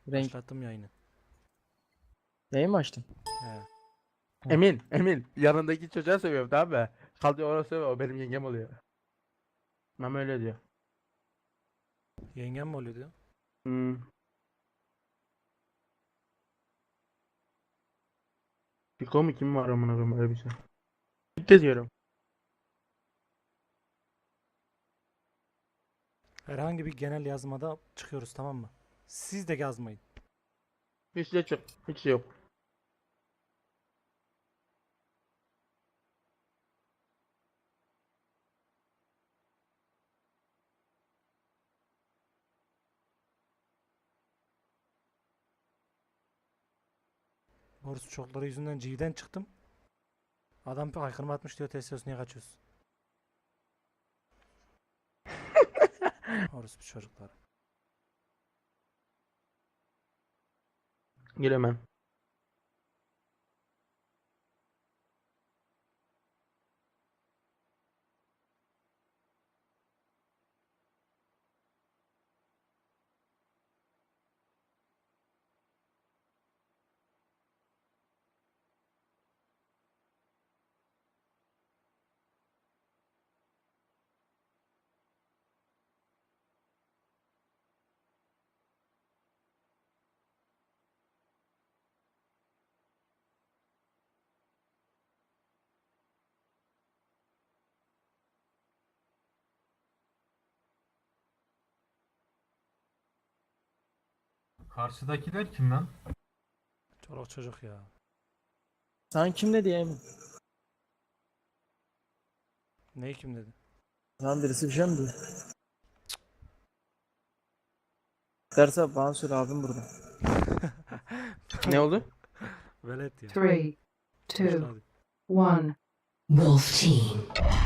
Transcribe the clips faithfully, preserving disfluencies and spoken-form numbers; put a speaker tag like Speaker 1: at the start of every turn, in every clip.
Speaker 1: Renk.
Speaker 2: Başlattım yayını.
Speaker 1: Yayın mı açtın?
Speaker 2: He.
Speaker 3: Emin, Emin. Yanındaki çocuğa seviyorum tamam mı? Kalıyor ona seviyor, o benim yengem oluyor. Mama öyle diyor.
Speaker 2: Yengem mi oluyor diyor.
Speaker 3: Hmm. Fiko mu kim var amına koyayım öyle bir şey. Bitti diyorum.
Speaker 2: Herhangi bir genel yazmada çıkıyoruz, tamam mı? Siz de yazmayın.
Speaker 3: Hiç de çok, hiç şey yok.
Speaker 2: Borus çokları yüzünden G'den çıktım. Adam bir haykırma atmış diyor, Tesos niye kaçıyorsun? Borus bir çocuklar.
Speaker 3: Giremem.
Speaker 4: Karşıdakiler kim lan?
Speaker 2: Çoluk çocuk ya.
Speaker 1: Sen kim dedi ya Emin?
Speaker 2: Neyi kim dedi?
Speaker 1: Lan birisi bir şey mi diyor? Derse bana söyle abim burada.
Speaker 3: Ne oldu?
Speaker 2: Velet ya.
Speaker 5: Three, two,
Speaker 2: Hadi.
Speaker 5: one.
Speaker 6: Wolf Team.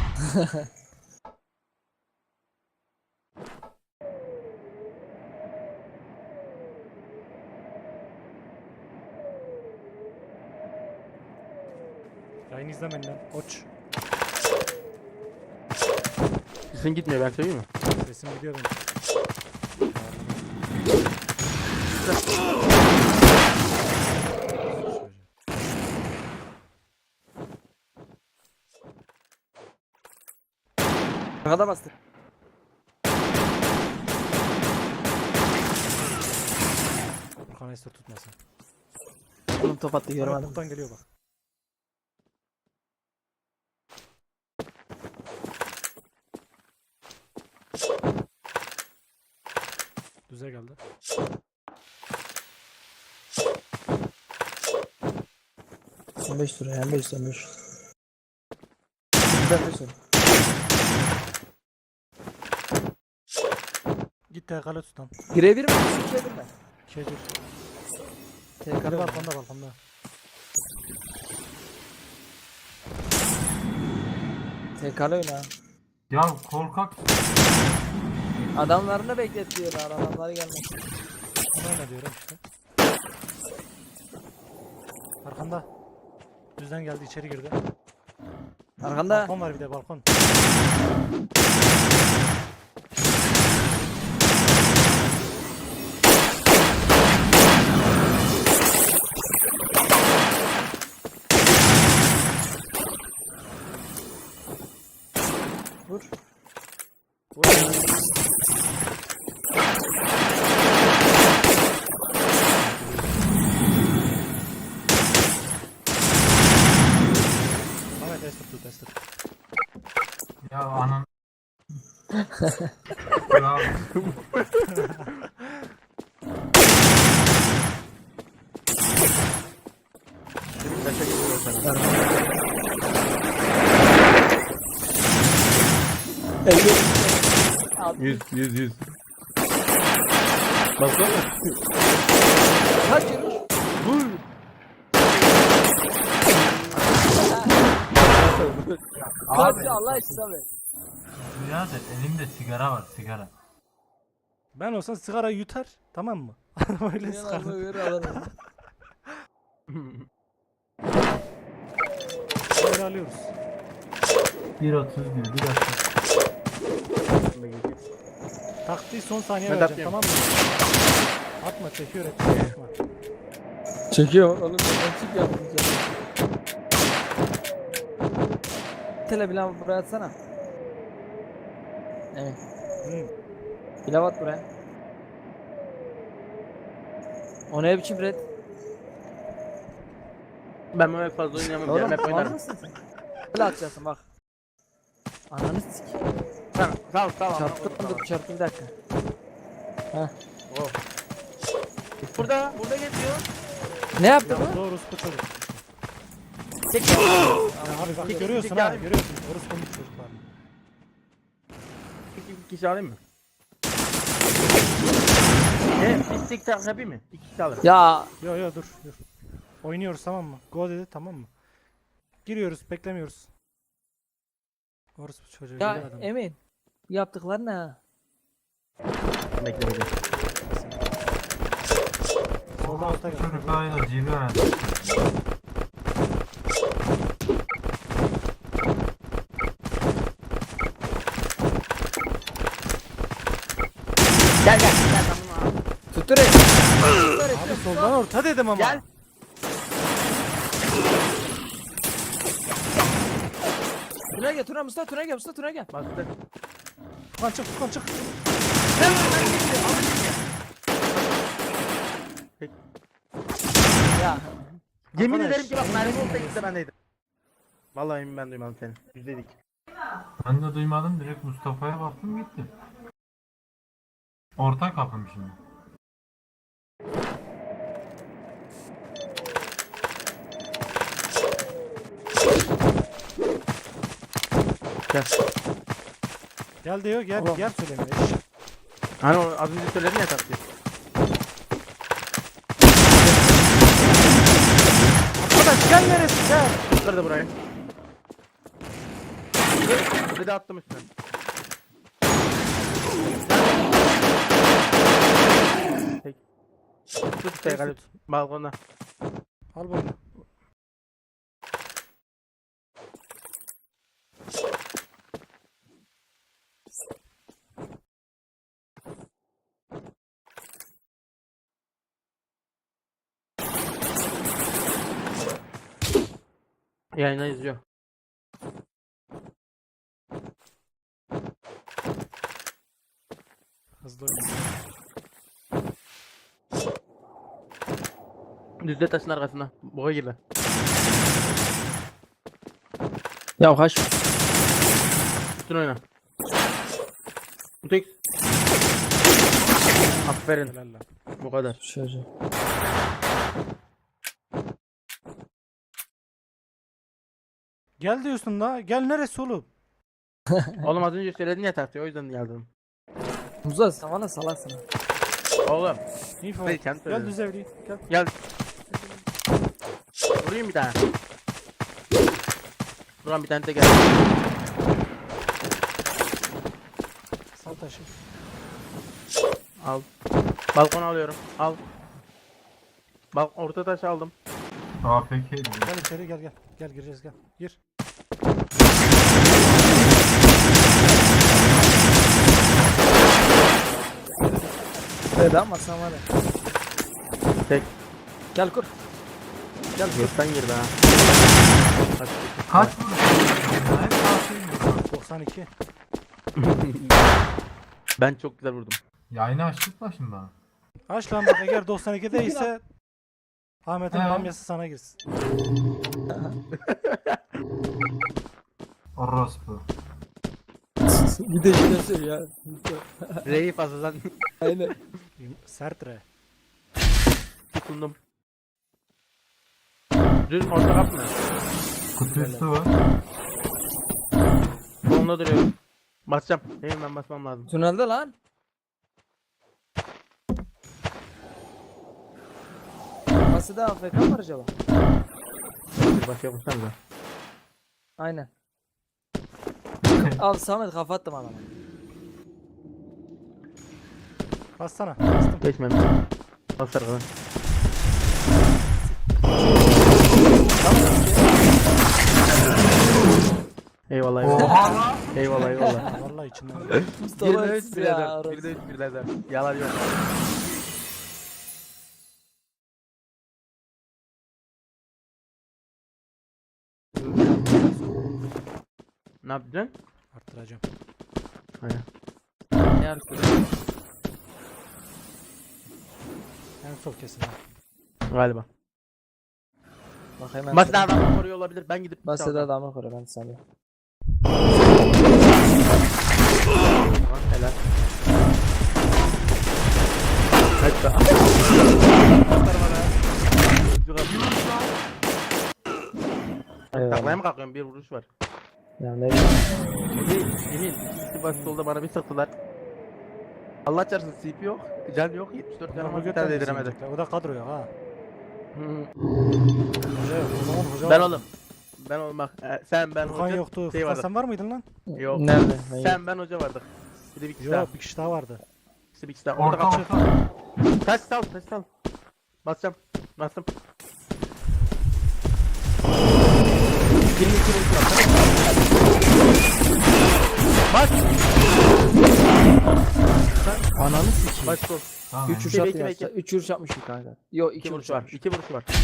Speaker 2: Yayını izlemeyin lan. Koç.
Speaker 3: Sesin gitmiyor ben söyleyeyim mi?
Speaker 2: Sesim gidiyor benim.
Speaker 1: Arkada bastı.
Speaker 2: Furkan Ester tutmasın.
Speaker 1: Oğlum top attı
Speaker 2: Bana
Speaker 1: göremedim.
Speaker 2: boktan geliyor bak. Düze geldi.
Speaker 1: on beş lira yani beş on beş. Ben de sor.
Speaker 2: Git T K'lı tut lan.
Speaker 1: Girebilir mi? Girebilir mi?
Speaker 2: Kedir.
Speaker 1: T
Speaker 2: Biri
Speaker 1: K'lı
Speaker 2: balkonda balkonda.
Speaker 1: T K'lı oyna.
Speaker 4: Ya korkak.
Speaker 1: Adamlarını bekletiyorlar. Adamları gelmek.
Speaker 2: Bunu oyna diyorum işte. Arkanda. Düzden geldi, içeri girdi.
Speaker 1: Arkanda.
Speaker 2: Balkon var bir de, balkon.
Speaker 1: Vur. Vur.
Speaker 2: Ahmet Ester tut, Ester.
Speaker 4: Ya anan. Ya
Speaker 3: Kaça gidiyor sen?
Speaker 1: elli.
Speaker 3: Yüz, yüz, yüz. Baksana.
Speaker 1: Kaç yürü?
Speaker 3: Vur.
Speaker 1: Kaç Allah için abi.
Speaker 4: birader elimde sigara var sigara.
Speaker 2: Ben olsam sigara yutar, tamam mı? Öyle sıkar. Böyle alıyoruz.
Speaker 4: bir otuz bir bir dakika.
Speaker 2: Taktiği son saniye
Speaker 3: Ben
Speaker 2: vereceğim,
Speaker 3: atmıyorum.
Speaker 2: tamam mı? Atma çekiyor et. Atma.
Speaker 1: Çekiyor oğlum. Ben çek yapmayacağım. Tele pilav buraya atsana. Evet.
Speaker 2: Hı.
Speaker 1: Pilav at buraya. O ne biçim red?
Speaker 3: Ben böyle fazla oynayamam.
Speaker 1: Oğlum
Speaker 3: Oğlum, hep
Speaker 1: var
Speaker 3: oynarım.
Speaker 1: mısın sen? Böyle atacaksın bak. Ananı sik.
Speaker 3: Tamam sağ ol sağ ol.
Speaker 1: Çarptı dur çarptı bir dakika. Heh.
Speaker 3: Oh. Burada burada geçiyor.
Speaker 1: Ne yaptı
Speaker 2: Ya
Speaker 1: bu?
Speaker 2: doğru bu çocuk.
Speaker 1: Tek
Speaker 2: Ya abi bak görüyorsun
Speaker 3: tek
Speaker 2: ha
Speaker 3: yani.
Speaker 2: görüyorsun. Orası komik çocuklar.
Speaker 3: İki kişi alayım mı? Ne? Bir tek tak yapayım mı? İki kişi alırım.
Speaker 1: Ya
Speaker 2: Yo yo dur dur. Oynuyoruz tamam mı? Go dedi tamam mı? Giriyoruz beklemiyoruz. Orası bu çocuğu
Speaker 1: ya
Speaker 2: geliyor adam.
Speaker 1: Emin. Bu yaptıkları ne?
Speaker 3: Bekle bekle.
Speaker 2: Solda alta gel.
Speaker 4: Çocuklarıyla cibi öğrendi.
Speaker 3: Gel gel. Gel tamam abi.
Speaker 1: Tuttur et. Tuttur et.
Speaker 2: Abi soldan orta dedim ama.
Speaker 3: Gel.
Speaker 1: Tuna gel Tuna Mustafa Tuna gel Mustafa Tuna gel.
Speaker 3: Bastı.
Speaker 2: Furkan çık Furkan çık.
Speaker 1: Ya
Speaker 3: Yemin
Speaker 2: Arkadaş,
Speaker 3: ederim ki bak mermi olsa ikisi de bendeydi. Vallahi emin ben duymadım seni. Yüzdeydik.
Speaker 4: Ben de duymadım, direkt Mustafa'ya baktım gitti. Orta kapım şimdi.
Speaker 3: Gel.
Speaker 2: Gel diyor gel
Speaker 1: Oğlum.
Speaker 2: gel söylemiyor.
Speaker 3: Hani o az önce söyledin ya tatlıyı.
Speaker 2: Arkadaş gel neresi gel.
Speaker 3: Kırdı burayı. Bir de attım üstüne. Peki. Tut işte galip. Balkona.
Speaker 2: Al bunu.
Speaker 3: Yayına izliyor.
Speaker 2: Hızlı oyna.
Speaker 3: Düzde taşın arkasında. Boğa girdi.
Speaker 1: Ya kaç.
Speaker 3: Üstüne oyna. Tek. Aferin.
Speaker 2: Helal lan.
Speaker 3: Bu kadar.
Speaker 1: Şöyle.
Speaker 2: Gel diyorsun da gel neresi oğlum?
Speaker 3: Oğlum az önce söyledin ya tatlıyı o yüzden geldim.
Speaker 1: Muza sen bana salaksın.
Speaker 3: Oğlum.
Speaker 2: İyi
Speaker 3: Hayır,
Speaker 2: falan.
Speaker 3: kendi
Speaker 2: Gel
Speaker 3: söyledi.
Speaker 2: düz evli. Gel.
Speaker 3: Gel. Vurayım bir tane. Buran bir tane de gel.
Speaker 2: Sal taşı.
Speaker 3: Al. Balkon alıyorum. Al. Bak orta taşı aldım.
Speaker 4: A F K diyor.
Speaker 2: Gel içeri gel gel. Gel gireceğiz gel. Gir.
Speaker 1: Evet ama sen var ya.
Speaker 3: Tek.
Speaker 1: Gel kur.
Speaker 3: Gel gökten girdi ha. Hadi.
Speaker 4: Kaç vurdu? Hep A F K.
Speaker 2: doksan iki.
Speaker 3: Ben çok güzel vurdum.
Speaker 4: Yayını açtık mı şimdi bana?
Speaker 2: Aç lan bak eğer doksan ikide ise Ahmet'in
Speaker 4: He.
Speaker 2: bamyası sana girsin.
Speaker 4: Orospu.
Speaker 1: Bir de yine söylüyor ya.
Speaker 3: R'yi fazladan
Speaker 1: Aynen.
Speaker 2: Sert re.
Speaker 3: tutundum. Düz orta kap mı?
Speaker 4: Kutu üstü var.
Speaker 3: Sonunda duruyorum. Basacağım. Benim ben basmam lazım.
Speaker 1: Tünelde lan. Nasıl da A F K var acaba?
Speaker 3: Bir başka bassanıza.
Speaker 1: Aynen. Al Samet kafa attım adama.
Speaker 2: Bassana. Bastım.
Speaker 3: Geçmemiş. Bas arkadan. Eyvallah eyvallah.
Speaker 4: Oha lan.
Speaker 3: Eyvallah eyvallah.
Speaker 2: Vallahi içinden.
Speaker 1: Mustafa
Speaker 3: Bir de üç
Speaker 1: siz
Speaker 3: bir
Speaker 1: ya.
Speaker 3: de dört.
Speaker 1: orası.
Speaker 3: Bir de üç bir de dört. Yalan yok. Ne yapacaksın?
Speaker 2: Arttıracağım.
Speaker 3: Aynen.
Speaker 1: Ne yapıyor?
Speaker 2: En sol kesin ha.
Speaker 3: Galiba.
Speaker 1: Bak hemen.
Speaker 3: Basit adamı koruyor olabilir. Ben gidip
Speaker 1: Basit
Speaker 3: çalacağım.
Speaker 1: adamı koru ben sana.
Speaker 3: Tamam, helal. Hatta. Taklaya
Speaker 1: Eyvallah.
Speaker 3: mı kalkıyorum? Bir vuruş var.
Speaker 1: Ya ne bileyim.
Speaker 3: Emin, Emin. İkisi basit oldu bana bir sıktılar. Allah çarpsın C P yok. Can yok. yetmiş dört canım var. Bir tane değdiremedi.
Speaker 2: O da kadro yok ha.
Speaker 3: Hı.
Speaker 2: Hoca yok. O zaman hoca
Speaker 3: Ben
Speaker 2: var.
Speaker 3: oğlum. Ben oğlum bak. e, Sen ben
Speaker 2: Furkan
Speaker 3: hoca.
Speaker 2: yoktu.
Speaker 3: şey
Speaker 2: Furkan
Speaker 3: vardı.
Speaker 2: sen var mıydın lan?
Speaker 3: Yok.
Speaker 1: Nerede? Ben
Speaker 3: Sen ben hoca vardık. Bir de bir kişi daha.
Speaker 2: Yok bir kişi daha vardı.
Speaker 3: İşte bir kişi daha. Orada
Speaker 4: Orta
Speaker 3: kaçır.
Speaker 4: orta.
Speaker 3: Taş sal, taş sal. Basacağım. Bastım. yirmi iki vuruş var. Bas.
Speaker 1: Ananı sikeyim.
Speaker 3: Bas sol.
Speaker 4: Tamam.
Speaker 1: üç vuruş
Speaker 3: Bekle,
Speaker 1: attı
Speaker 3: bekle.
Speaker 1: ya. üç vuruş yapmış bir kanka. Yok
Speaker 3: İki
Speaker 1: iki
Speaker 3: vuruş
Speaker 1: vuruş
Speaker 3: var.
Speaker 1: var.
Speaker 3: İki vuruş var.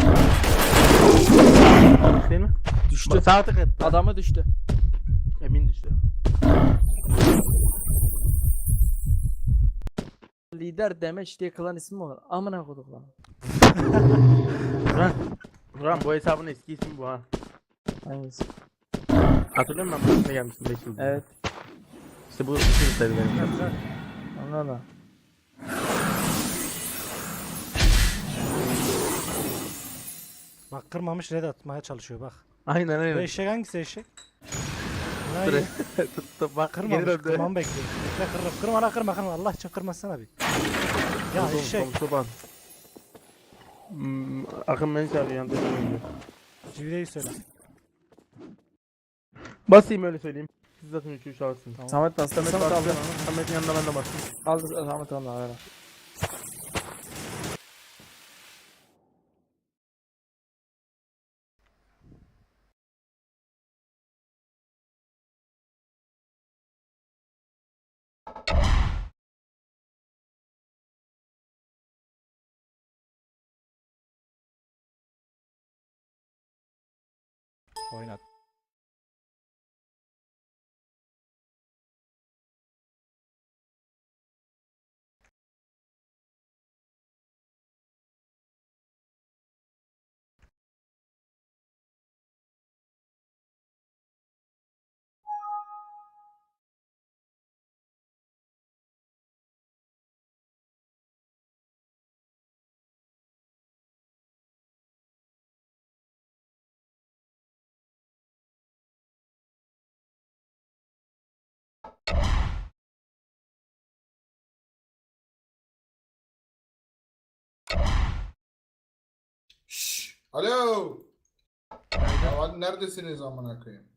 Speaker 3: Değil mi?
Speaker 1: Düştü.
Speaker 3: Sağ tık et.
Speaker 1: Adamı düştü.
Speaker 3: Emin düştü.
Speaker 1: Lider demeç diye klan ismi mi olur? Amına koduk lan.
Speaker 3: Buran. Buran bu hesabın eski ismi bu ha.
Speaker 1: Hangisi?
Speaker 3: Hatırlıyor musun? Ben bu ismine gelmiştim beş yıl.
Speaker 1: Evet.
Speaker 3: İşte bu isim istedi benim.
Speaker 1: Anladın.
Speaker 2: Bak kırmamış red atmaya çalışıyor bak.
Speaker 3: Aynen
Speaker 2: Bu
Speaker 3: aynen.
Speaker 2: eşek hangisi eşek?
Speaker 3: Dur.
Speaker 2: Hayır.
Speaker 3: Tuttu bak. Geri
Speaker 2: Kırmamış.
Speaker 3: döndü.
Speaker 2: Kırmamı bekliyor. Bekle kırma. Kırma lan kırma kırma. Allah için kırmasana bir. Ya
Speaker 3: Komşu-
Speaker 2: eşek.
Speaker 3: komşu ban. Hmm, Akın beni çağırıyor yanında söylüyor.
Speaker 2: Civriye'yi söyle.
Speaker 3: Basayım öyle söyleyeyim. Siz zaten üç üç alırsınız.
Speaker 2: Tamam.
Speaker 1: Samet bastı.
Speaker 3: Samet
Speaker 1: Samet
Speaker 3: bastı.
Speaker 1: aldı.
Speaker 3: Samet'in yanında ben de bastım.
Speaker 1: Aldı Samet aldı. Ver.
Speaker 2: Oynat.
Speaker 5: Şşş, alo. Ya hadi neredesiniz amına koyayım?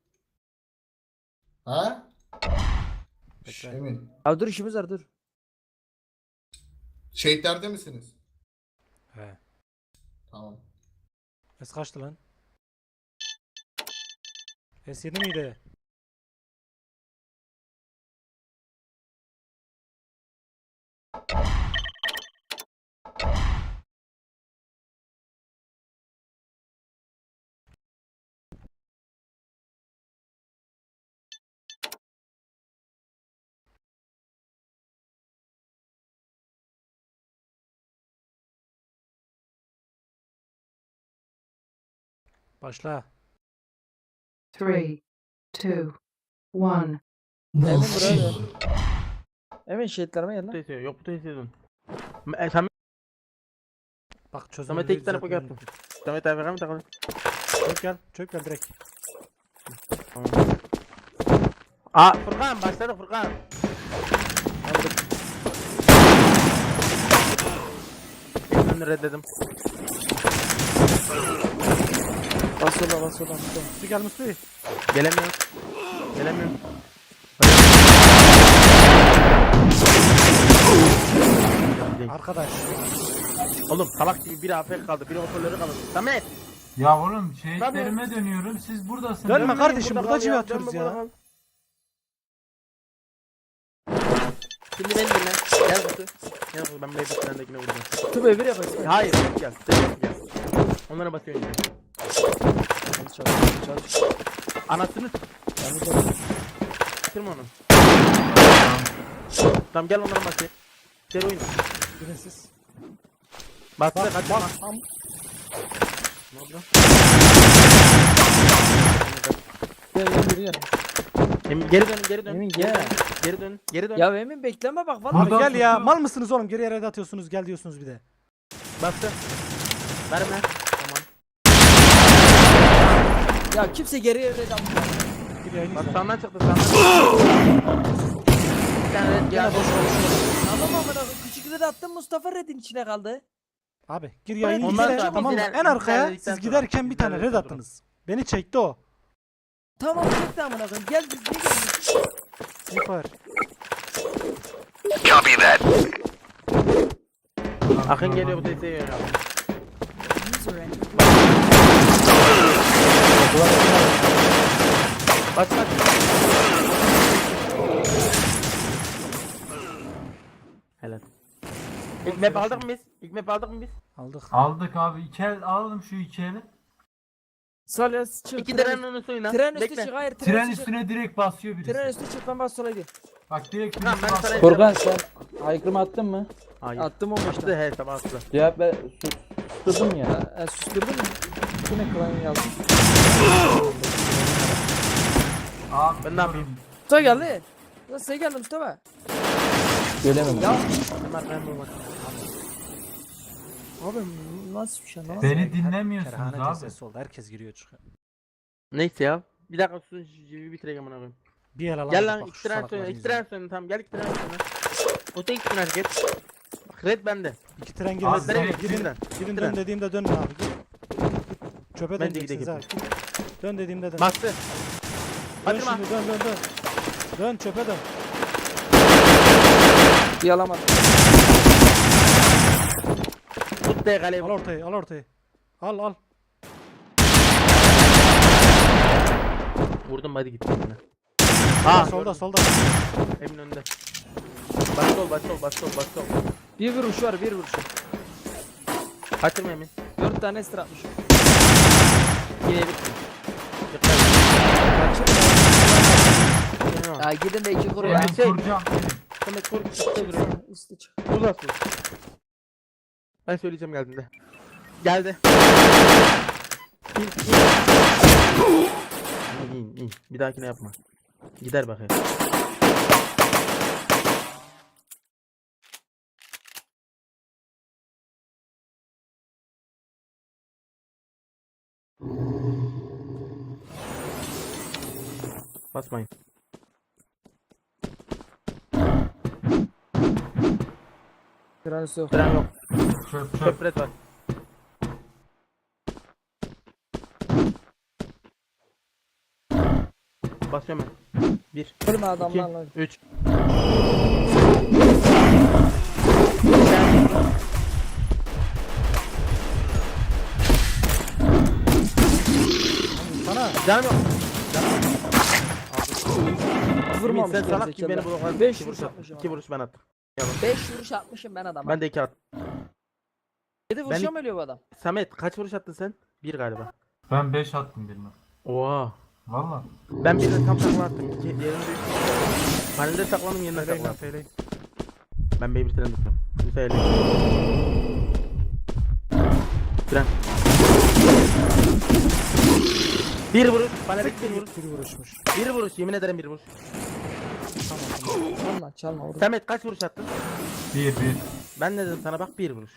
Speaker 5: Ha? Şşş,
Speaker 2: Bekle.
Speaker 5: Emin.
Speaker 1: Abi dur işimiz var dur.
Speaker 5: Şehitlerde misiniz?
Speaker 2: He.
Speaker 5: Tamam.
Speaker 2: S kaçtı lan? S yedi miydi? Başla.
Speaker 7: Three, two, one.
Speaker 1: Emin
Speaker 6: Wolf
Speaker 1: buraya
Speaker 6: team.
Speaker 1: gel. Emin şehitlerime gel
Speaker 3: Bu
Speaker 1: lan.
Speaker 3: tesiyor. Yok bu tesiyordun. E, Samet,
Speaker 2: Bak çözüm.
Speaker 3: Samet'e iki tane poke attım. Samet abi ver mi takalım?
Speaker 2: Çök gel. Çök gel direkt.
Speaker 3: Aa Furkan başladı Furkan. Ben reddedim.
Speaker 1: Bas yola bas yola.
Speaker 2: Musti gel Musti.
Speaker 3: Gelemiyorum. Gelemiyorum.
Speaker 2: Arkadaş.
Speaker 3: Oğlum salak gibi biri A F K kaldı, biri hoparlörü kaldı. Samet!
Speaker 4: Ya oğlum şehitlerime dönüyorum. Siz buradasınız.
Speaker 2: Dönme kardeşim,
Speaker 3: burada
Speaker 2: burada
Speaker 3: kal
Speaker 2: civi
Speaker 3: ya,
Speaker 2: atıyoruz
Speaker 3: dönme,
Speaker 2: ya.
Speaker 3: burada kal. Şimdi beni dinle. Gel kutu. Gel kutu ben Beyblade sendekine vuracağım.
Speaker 1: Tüm evir yapasın.
Speaker 3: Hayır tek gel. Tek gel. Onlara basıyor önce.
Speaker 1: Çalış çalış çalış.
Speaker 3: Anasını s- Bitirme onu. Tamam gel onlara bak. Gel oyun.
Speaker 2: Girin siz.
Speaker 3: Bastı
Speaker 2: Bak
Speaker 3: kaçırma.
Speaker 2: bak. Am-
Speaker 3: Ne oldu?
Speaker 1: Gel gel geri gel.
Speaker 3: Emin geri dön geri dön.
Speaker 1: Emin,
Speaker 3: geri
Speaker 1: gel.
Speaker 3: dön. Geri dön. Geri dön.
Speaker 1: Ya Emin bekleme bak
Speaker 2: Abi
Speaker 1: vallahi.
Speaker 4: Buradan
Speaker 2: gel ya.
Speaker 4: tutuyor.
Speaker 2: Mal mısınız oğlum? Geri yere de atıyorsunuz. Gel diyorsunuz bir de.
Speaker 3: Bastı. Verme. Tamam.
Speaker 1: Ya kimse geriye red atmıyor.
Speaker 2: Gir yayını
Speaker 3: Bak
Speaker 2: izle.
Speaker 3: sağdan çıktı sağdan. Bir tane red
Speaker 2: Gene
Speaker 3: geldi.
Speaker 2: boş konuşuyor.
Speaker 1: Tamam amına koyayım. Küçük red attın Mustafa redin içine kaldı.
Speaker 2: Abi gir yayını
Speaker 3: Ondan
Speaker 2: izle.
Speaker 3: sonra
Speaker 2: Tamam mı?
Speaker 3: bizler-
Speaker 2: En arkaya
Speaker 3: bizlerledikten
Speaker 2: siz
Speaker 3: sonra-
Speaker 2: giderken bir tane red
Speaker 3: bizlerledikten
Speaker 2: attınız. Beni çekti o.
Speaker 1: Tamam çekti amına koyayım. Gel biz niye geldik?
Speaker 2: Süper.
Speaker 3: Akın geliyor bu teyzeyi yöneliyor. Bak bak. Helal. İlk map aldık mı biz? İlk map aldık mı biz?
Speaker 2: Aldık.
Speaker 4: Aldık abi. İki el alalım şu iki eli.
Speaker 1: Salya çık.
Speaker 3: İki
Speaker 1: tren,
Speaker 3: tren önü suyuna.
Speaker 1: tren üstü
Speaker 3: Bekle.
Speaker 1: çık. Hayır tren,
Speaker 4: Tren
Speaker 1: üstü çık.
Speaker 4: üstüne direkt basıyor birisi.
Speaker 1: Tren üstü çık ben bas sola gideyim.
Speaker 4: Bak direkt
Speaker 3: Tamam,
Speaker 4: birisi
Speaker 3: ben
Speaker 4: basıyor.
Speaker 3: sana-
Speaker 8: Furkan sen aykırımı attın mı?
Speaker 3: Hayır.
Speaker 1: Attım on beşten.
Speaker 3: Attı he tamam attı.
Speaker 8: Cevap ver. Susturdum ya.
Speaker 1: E, susturdun mu? Yine klan yazdım.
Speaker 4: Abi
Speaker 3: Ben ne yapayım?
Speaker 1: Mustafa geldi. Nasıl sen geldin Mustafa?
Speaker 8: Göremedim.
Speaker 1: Ya
Speaker 3: Hemen ben bu bak.
Speaker 1: abi nasıl bir şey lan?
Speaker 4: Beni dinlemiyorsunuz
Speaker 2: Kerhane
Speaker 4: abi.
Speaker 2: tezesi oldu. Herkes giriyor çıkıyor.
Speaker 3: Neyse ya. Bir dakika susun civi bitireyim amına koyayım.
Speaker 2: Bir el alamadık.
Speaker 3: Gel lan
Speaker 2: bak,
Speaker 3: iki
Speaker 2: şu
Speaker 3: tren
Speaker 2: salakları
Speaker 3: söyle. iki
Speaker 2: izle.
Speaker 3: tren söyle tamam gel iki tren söyle. O tek tren hareket. Bak red bende.
Speaker 2: İki tren
Speaker 4: Abi,
Speaker 2: girmez.
Speaker 4: nereye?
Speaker 2: Girin, girin,
Speaker 3: Tren.
Speaker 2: girin
Speaker 3: Tren.
Speaker 2: dön dediğimde dönün abi. Gir. Çöpe
Speaker 3: Ben de
Speaker 2: döneceksiniz
Speaker 3: gideyim.
Speaker 2: ha. Dön dediğimde dön.
Speaker 3: Bastı.
Speaker 2: Dön
Speaker 3: Batırma.
Speaker 2: şimdi dön dön dön. Dön çöpe dön.
Speaker 1: Yalamadım.
Speaker 3: Tut de kaleyi.
Speaker 2: Al ortayı al ortayı. Al al.
Speaker 3: Vurdum hadi gitti.
Speaker 2: Ha,
Speaker 3: Aa
Speaker 2: solda solda.
Speaker 3: Emin önünde. Bas sol bas sol bas sol bas sol.
Speaker 1: Bir vuruş var bir vuruş.
Speaker 3: Kaçırma Emin.
Speaker 1: Dört tane estir atmış.
Speaker 3: Yine bitti. Dikkat. Yine
Speaker 1: Ya gidin de iki kuru
Speaker 3: Ya,
Speaker 1: ya.
Speaker 4: Emin
Speaker 3: şey-
Speaker 4: kuracağım.
Speaker 3: Demek kork üstte duruyor.
Speaker 1: Üstü çık.
Speaker 3: Uzasın. Ben söyleyeceğim geldiğinde. Geldi. İn, in. İn, in, in. Bir dahakine yapma. Gider bakayım. Basmayın.
Speaker 1: Tren üstü yok.
Speaker 3: Tren yok.
Speaker 4: Çöp çöp.
Speaker 3: Köpret var. Basıyorum ben. Bir,
Speaker 1: Ölme
Speaker 3: iki,
Speaker 1: adamlarla.
Speaker 3: üç.
Speaker 2: Sana.
Speaker 3: Canım yok. Emin
Speaker 1: Vurmamış
Speaker 3: sen salak gibi beni
Speaker 1: gerizekalı.
Speaker 3: blokladın.
Speaker 1: Beş
Speaker 3: İki
Speaker 1: vuruş
Speaker 3: vuruş
Speaker 1: atmışım.
Speaker 3: İki vuruş ben attım.
Speaker 1: Beş vuruş atmışım ben adama.
Speaker 3: Ben de iki attım.
Speaker 1: Yedi vuruşa
Speaker 3: ben-
Speaker 1: mı ölüyor bu adam?
Speaker 3: Samet kaç vuruş attın sen? Bir galiba.
Speaker 4: Ben beş attım birine.
Speaker 3: Oha.
Speaker 4: Valla.
Speaker 3: Ben birine tam takla attım. İki, yerinde üç. Panelde saklandım yerine
Speaker 2: Feyleyin
Speaker 3: takla
Speaker 2: lan
Speaker 3: attım.
Speaker 2: feyleyin.
Speaker 3: Ben Bey bir tren tutuyorum. Bir sayılı. Tren. Bir vuruş. Panelik bir vuruş.
Speaker 2: Bir vuruşmuş.
Speaker 3: Bir vuruş. Yemin ederim bir vuruş.
Speaker 1: Çalma çalma vur.
Speaker 3: Samet kaç vuruş attın?
Speaker 4: Bir bir.
Speaker 3: Ben ne dedim sana bak bir vuruş.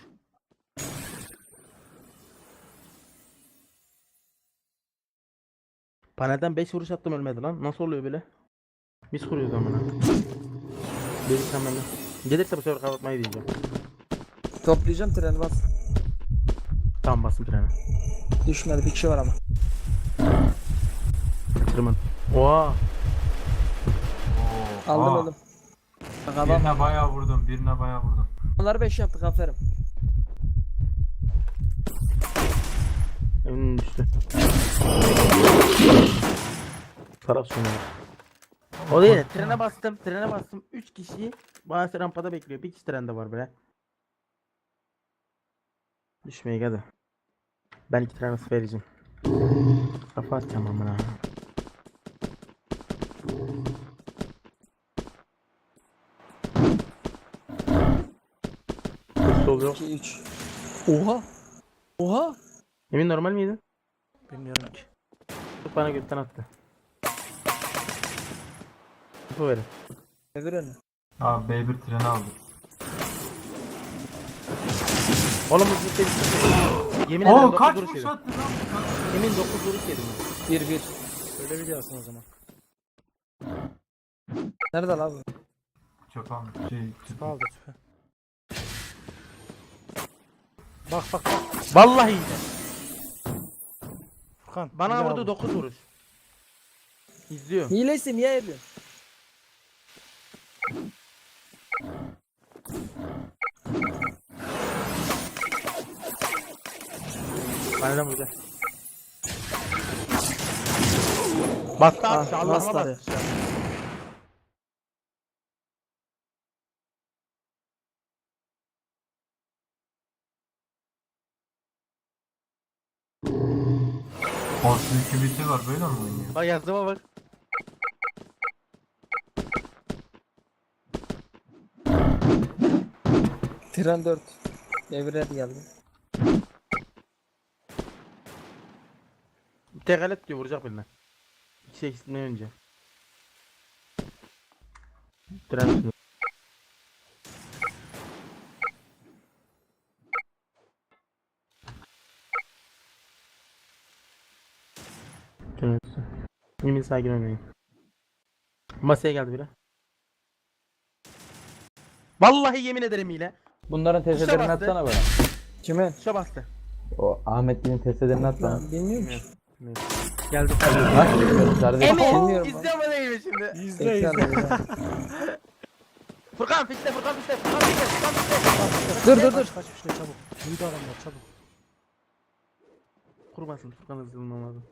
Speaker 3: Panelden beş vuruş attım ölmedi lan. Nasıl oluyor böyle? Biz kuruyoruz amına. Dedik hemen. Gelirse bu sefer kapatmayı diyeceğim.
Speaker 1: Toplayacağım treni bas.
Speaker 3: Tamam bastım trene.
Speaker 1: Düşmedi bir kişi var ama.
Speaker 3: Tırman. Oha.
Speaker 4: Oo.
Speaker 1: Aldım
Speaker 4: Aa,
Speaker 1: öldüm. Bak adam.
Speaker 4: Birine bayağı vurdum. Birine bayağı vurdum.
Speaker 1: Onları beş yaptık aferin.
Speaker 3: Emin düştü. Taraf sonu. O değil. Trene bastım. Trene bastım. üç kişi bazı rampada bekliyor. Bir kişi trende var bre. Düşmeye hadi. Ben iki tane nasıl vereceğim. Kafa atacağım amına. Sol yok.
Speaker 1: iki üç. Oha. Oha.
Speaker 3: Emin normal miydi?
Speaker 2: Bilmiyorum ki.
Speaker 3: Çok bana gökten attı. Bu verin.
Speaker 1: Devir önü.
Speaker 4: Abi B bir treni aldı.
Speaker 3: Oğlum bu ciddi bir Yemin ederim
Speaker 4: Oo
Speaker 3: dokuz
Speaker 4: kaç
Speaker 3: vuruş
Speaker 4: vuruş
Speaker 3: yedim.
Speaker 4: attı lan?
Speaker 3: Emin dokuz vuruş yedim.
Speaker 1: bir bir.
Speaker 2: Öyle biliyorsun o zaman.
Speaker 1: Nerede lan bu?
Speaker 4: Çok almış. Şey,
Speaker 2: Tüpe aldı tüpe. Bak bak bak.
Speaker 3: Vallahi iyiydi.
Speaker 2: Furkan.
Speaker 3: Bana
Speaker 2: hile
Speaker 3: vurdu
Speaker 2: aldı.
Speaker 3: dokuz vuruş. İzliyor.
Speaker 1: Hilesi niye yapıyorsun?
Speaker 3: Bana vurdu. Bastı
Speaker 1: Ah,
Speaker 3: abi. Allah'ıma
Speaker 1: bastı
Speaker 3: bastı.
Speaker 4: Force iki biti var böyle mi oynuyor?
Speaker 3: Bak yazdığıma bak.
Speaker 1: Tren dört. Devir geldi.
Speaker 3: Tek alet diyor vuracak birine. İki eksiltmeye önce. Tren üstünde. Tren üstü. Yemin sakin oynayın. Masaya geldi biri. Vallahi yemin ederim hile.
Speaker 8: Bunların testlerini
Speaker 3: bastı.
Speaker 8: atsana bana.
Speaker 1: Kime?
Speaker 3: Tuşa bastı.
Speaker 8: O Ahmetli'nin testlerini at bana.
Speaker 1: Ben bilmiyorum ki.
Speaker 3: Geldi.
Speaker 8: Nasıl bilmiyorum kardeşim?
Speaker 3: Emin
Speaker 1: Bilmiyorum
Speaker 3: izliyor mu değil mi şimdi?
Speaker 2: İzle
Speaker 1: Bekle
Speaker 2: izle.
Speaker 1: lan,
Speaker 3: Furkan fişte Furkan fişte Furkan fişte Furkan fişte.
Speaker 1: Dur dur dur.
Speaker 2: Kaç kaç işte çabuk. Duydu adamlar çabuk.
Speaker 3: Kurmasın Furkan hızlılığım lazım.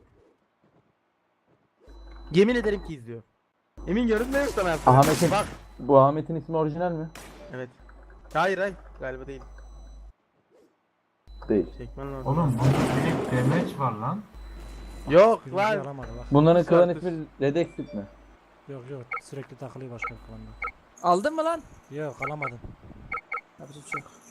Speaker 3: Yemin ederim ki izliyor. Emin görünmüyor mu sana?
Speaker 8: Ahmet'in,
Speaker 3: Bak.
Speaker 8: bu Ahmet'in ismi orijinal mi?
Speaker 3: Evet. Hayır hayır galiba değil.
Speaker 8: Değil.
Speaker 3: Çekmen lazım.
Speaker 4: Oğlum bunda direkt damage var lan.
Speaker 3: Yok
Speaker 2: Birinci
Speaker 3: var.
Speaker 2: yaramadı bak.
Speaker 8: Bunların klan
Speaker 3: Saattir.
Speaker 8: ismi Redexit mi?
Speaker 2: Yok yok sürekli takılıyor başka bir klanda.
Speaker 1: Aldın mı lan?
Speaker 2: Yok alamadın.
Speaker 1: Yapacak bir şey yok.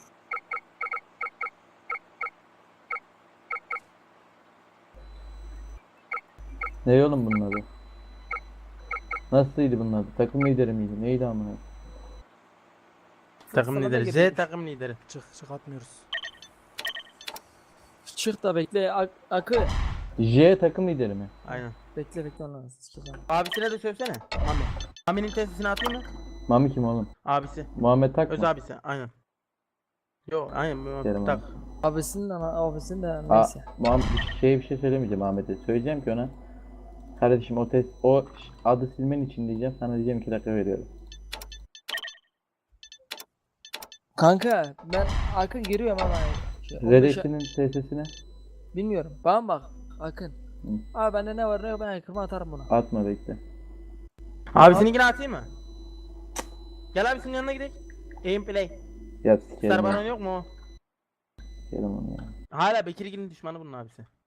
Speaker 8: Ne oğlum bunun adı? Nasılydı bunun adı? Takım lideri miydi? Neydi amına?
Speaker 3: Takım
Speaker 1: Sana da
Speaker 3: lideri. Z
Speaker 1: getirmiş.
Speaker 3: takım lideri.
Speaker 2: Çık çık atmıyoruz.
Speaker 1: Çık da bekle. Ak akı.
Speaker 8: J takım lideri mi?
Speaker 3: Aynen.
Speaker 1: Bekle bekle lan. Sikeceğim.
Speaker 3: Abisine de sövsene. Mami. Mami'nin testini atayım mı?
Speaker 8: Mami kim oğlum?
Speaker 3: Abisi.
Speaker 8: Muhammed Tak
Speaker 3: Öz
Speaker 8: mı?
Speaker 3: abisi. Aynen. Yo aynen. bu-
Speaker 8: Derim
Speaker 3: Tak.
Speaker 1: Abisinin ana abisinin de
Speaker 8: Aa,
Speaker 1: neyse.
Speaker 8: Muhammed şey bir şey söylemeyeceğim Ahmet'e. Söyleyeceğim ki ona. Kardeşim o test o ş- adı silmen için diyeceğim. Sana diyeceğim iki dakika veriyorum.
Speaker 1: Kanka ben Akın giriyorum ama. Şey, on beşe-
Speaker 8: Redexit'in T S'sine
Speaker 1: Bilmiyorum. Bana bak. Akın.
Speaker 8: Hı.
Speaker 1: Abi bende ne var ne yok ben Akın'ı atarım buna.
Speaker 8: atma bekle.
Speaker 3: Abisininkini atayım mı? Gel abisinin yanına gidelim. Aim play.
Speaker 8: Ya sikerim
Speaker 3: Star
Speaker 8: ya.
Speaker 3: Baron yok mu o?
Speaker 8: Sikerim onu ya.
Speaker 3: Hala Bekirgil'in düşmanı bunun abisi.